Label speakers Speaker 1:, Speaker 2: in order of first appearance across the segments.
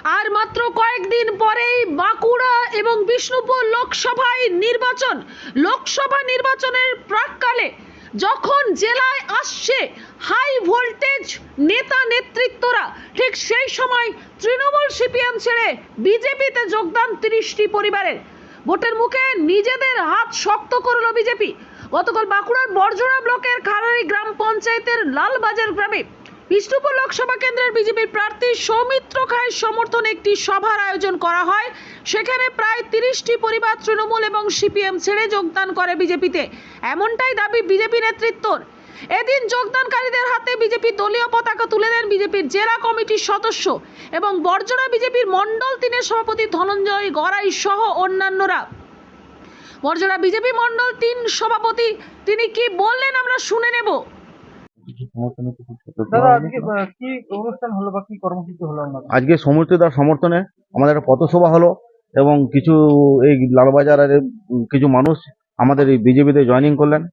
Speaker 1: আর মাত্র কয়েকদিন পরেই বাঁকুড়া এবং বিষ্ণুপুর লোকসভা নির্বাচনের প্রাক্কালে যখন জেলায় আসছে হাই ভোল্টেজ নেতা নেতৃত্বরা, ঠিক সেই সময় তৃণমূল সিপিএম ছেড়ে বিজেপিতে যোগদান 30টি পরিবারের। ভোটের মুখে নিজেদের হাত শক্ত করল বিজেপি। গতকাল বাঁকুড়ার বড়জোড়া ব্লকের খারারি গ্রাম পঞ্চায়েতের লালবাজার গ্রামে বিষ্ণুপুর লোকসভা কেন্দ্রের বিজেপি প্রার্থী সৌমিত্র খায়ের সমর্থনে একটি সভার আয়োজন করা হয়। সেখানে প্রায় 30টি পরিবার তৃণমূল এবং সিপিএম ছেড়ে যোগদান করে বিজেপিতে, এমনটাই দাবি বিজেপি নেতৃত্বর। এদিন যোগদানকারীদের হাতে বিজেপি দলীয় পতাকা তুলে দেন বিজেপির জেলা কমিটির সদস্য এবং বড়জোড়া বিজেপির মণ্ডল 3-এর সভাপতি ধনঞ্জয় গড়াই সহ অন্যান্যরা। বড়জোড়া বিজেপি মণ্ডল 3 সভাপতি তিনি কি বললেন আমরা শুনে নেব।
Speaker 2: আজকে সৌমিত্রদার সমর্থনে আমাদের একটা পথসভা হলো এবং কিছু এই লালবাজারের কিছু মানুষ আমাদের এই বিজেপিতে জয়েনিং করলেন।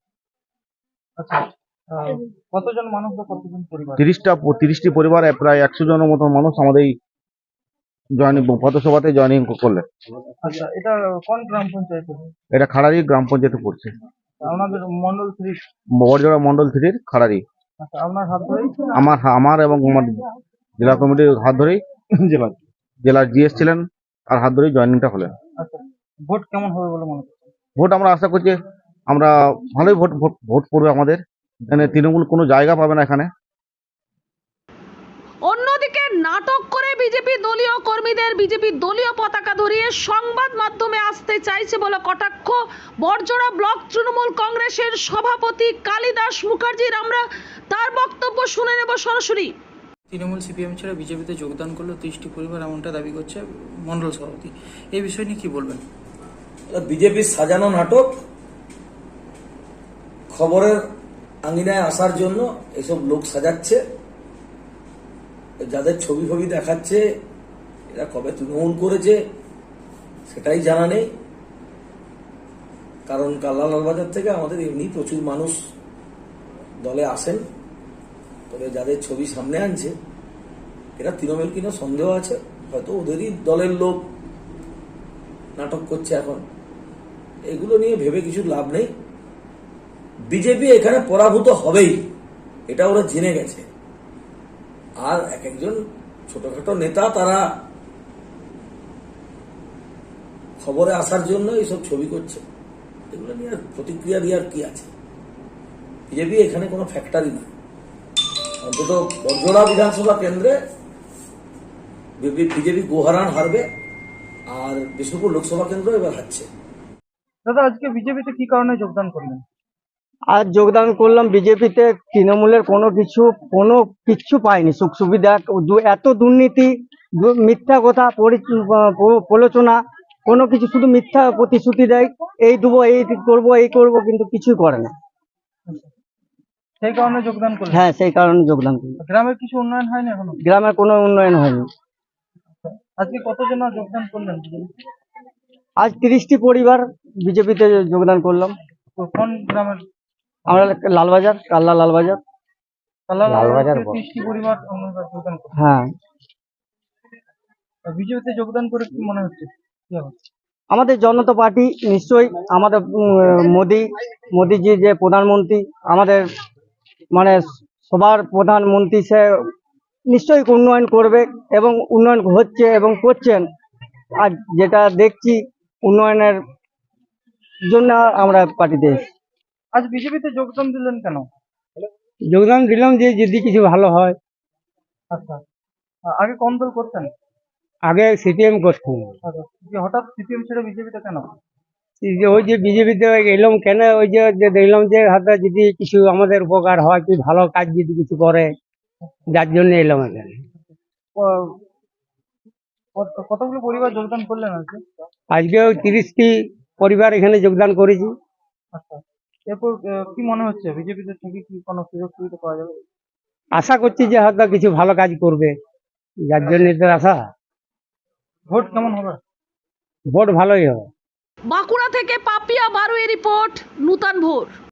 Speaker 3: কতজন মানুষ বা কতজন পরিবার?
Speaker 2: 30টি পরিবার, প্রায় 100 জনের মতো মানুষ আমাদের এই পথসভাতে জয়েনিং করলেন।
Speaker 3: আচ্ছা, এটা কোন গ্রাম পঞ্চায়েত?
Speaker 2: এটা খারারি গ্রাম পঞ্চায়েতে পড়ছে,
Speaker 3: আমাদের মন্ডল 3,
Speaker 2: বড়জোড়া মন্ডল 3 খারারি।
Speaker 3: আচ্ছা, আপনার হাত ধরে?
Speaker 2: আমার এবং আমার জেলা কমিটির হাত ধরেই, জেলার জিএস ছিলেন আর হাত ধরেই জয়েনিংটা হলেন।
Speaker 3: আচ্ছা, ভোট কেমন হবে বলে মনে করছেন?
Speaker 2: ভোট আমরা আশা করছি আমরা ভালোই ভোট পড়বে আমাদের। এখানে তৃণমূল কোনো জায়গা পাবে না এখানে।
Speaker 1: অন্যদিকে নাটক করে বিজেপি দলীয় কর্মীদের বিজেপি দলীয় পতাকা ধরিয়ে সংবাদ মাধ্যমে আসতে চাইছে বলে কটাক্ষ বড়জোড়া ব্লক তৃণমূল কংগ্রেসের সভাপতি কালিদাস মুখার্জির। আমরা তার বক্তব্য শুনে নেব সরাসরি।
Speaker 4: তৃণমূল সিপিএম ছেড়ে বিজেপিতে যোগদান করলো 30টি পরিবার, এমনটা দাবি করছে মণ্ডল সভাপতি। এই বিষয় নিয়ে কি বলবেন?
Speaker 5: বিজেপির সাজানো নাটক, খবরের আঙিনায় আসার জন্য এসব লোক সাজাচ্ছে। যাদের ছবি ফবি দেখাচ্ছে এরা কবে তৃণমূল করেছে সেটাই জানা নেই। কারণ কাল্লা লালবাজার থেকে আমাদের এমনি প্রচুর মানুষ দলে আসেন, তবে যাদের ছবি সামনে আনছে এরা তৃণমূল কিনা সন্দেহ আছে, হয়তো ওদেরই দলের লোক নাটক করছে। এখন এগুলো নিয়ে ভেবে কিছু লাভ নেই। বিজেপি এখানে পরাভূত হবেই, এটা ওরা জেনে গেছে। আর এক একজন ছোটখাটো নেতা তারা খবরে আসার জন্য এইসব ছবি করছে, এগুলো নিয়ে প্রতিক্রিয়া দেওয়ার কি আছে? বিজেপি এখানে কোনো ফ্যাক্টরি না। অন্তত বড়জোড়া বিধানসভা কেন্দ্রে বিজেপি গোহারান হারবে, আর বিষ্ণুপুর লোকসভা কেন্দ্র এবার হারছে।
Speaker 3: দাদা, আজকে বিজেপিতে কি কারণে যোগদান করলেন?
Speaker 6: আজ যোগদান করলাম বিজেপিতে। তৃণমূলের কোনো কিচ্ছু পাইনি, সুখ সুবিধা, এত দুর্নীতি, মিথ্যা কথা, প্রলোচনা, কোনো কিছু, শুধু মিথ্যা প্রতিশ্রুতি দেয়, এই দেবো, এই করবো, কিন্তু কিছুই করে না।
Speaker 3: সেই কারণে যোগদান করলেন?
Speaker 6: হ্যাঁ, সেই কারণে যোগদান করলাম।
Speaker 3: গ্রামের কিছু উন্নয়ন হয়নি এখনো?
Speaker 6: গ্রামের কোনো উন্নয়ন হয়নি।
Speaker 3: আজকে কতজন যোগদান করলেন?
Speaker 6: আজ 30টি পরিবার বিজেপিতে যোগদান করলাম।
Speaker 3: কোন গ্রামের?
Speaker 6: আমরা লালবাজার, কাল্লা লালবাজার।
Speaker 3: 30টি পরিবার যোগদান করলেন?
Speaker 6: হ্যাঁ।
Speaker 3: বিজেপিতে যোগদান করে কি মনে হচ্ছে? কি হবে?
Speaker 6: আমাদের জনতা পার্টি নিশ্চয়ই, আমাদের মোদিজি যে প্রধানমন্ত্রী, আমাদের মানে সবার প্রধানমন্ত্রী, সে নিশ্চয়ই উন্নয়ন করবে এবং উন্নয়ন হচ্ছে এবং করছেন। আর যেটা দেখছি উন্নয়নের জন্য আমরা পার্টিতে এসেছি।
Speaker 3: আজ বিজেপিতে যোগদান দিলেন কেন?
Speaker 6: যোগদান দিলাম যে যদি কিছু ভালো হয়।
Speaker 3: আচ্ছা, আগে কোন দল করতেন?
Speaker 6: আগে সিপিএম করতাম।
Speaker 3: আচ্ছা, হঠাৎ সিপিএম ছেড়ে বিজেপিতে কেন?
Speaker 6: ওই যে বিজেপিতে এলাম কেন, ওই যে দেখলাম যে হাতে যদি কিছু আমাদের উপকার হয়, কি ভালো কাজ যদি কিছু করে, যার জন্য এলাম এখানে।
Speaker 3: কতগুলো পরিবার যোগদান করলেন আজকে?
Speaker 6: আজকেও 30টি পরিবার এখানে যোগদান করেছি।
Speaker 3: আচ্ছা, এরপর কি মনে হচ্ছে বিজেপিতে থেকে কি কোনো সুযোগ সুবিধা পাওয়া যাবে?
Speaker 6: আশা করছি যে হয়তো কিছু ভালো কাজ করবে, যার জন্য এদের আশা।
Speaker 3: ভোট কেমন হবে?
Speaker 6: ভোট ভালোই হবে।
Speaker 1: বাঁকুড়া থেকে পাপিয়া বারুয়ের রিপোর্ট, নূতন ভোর।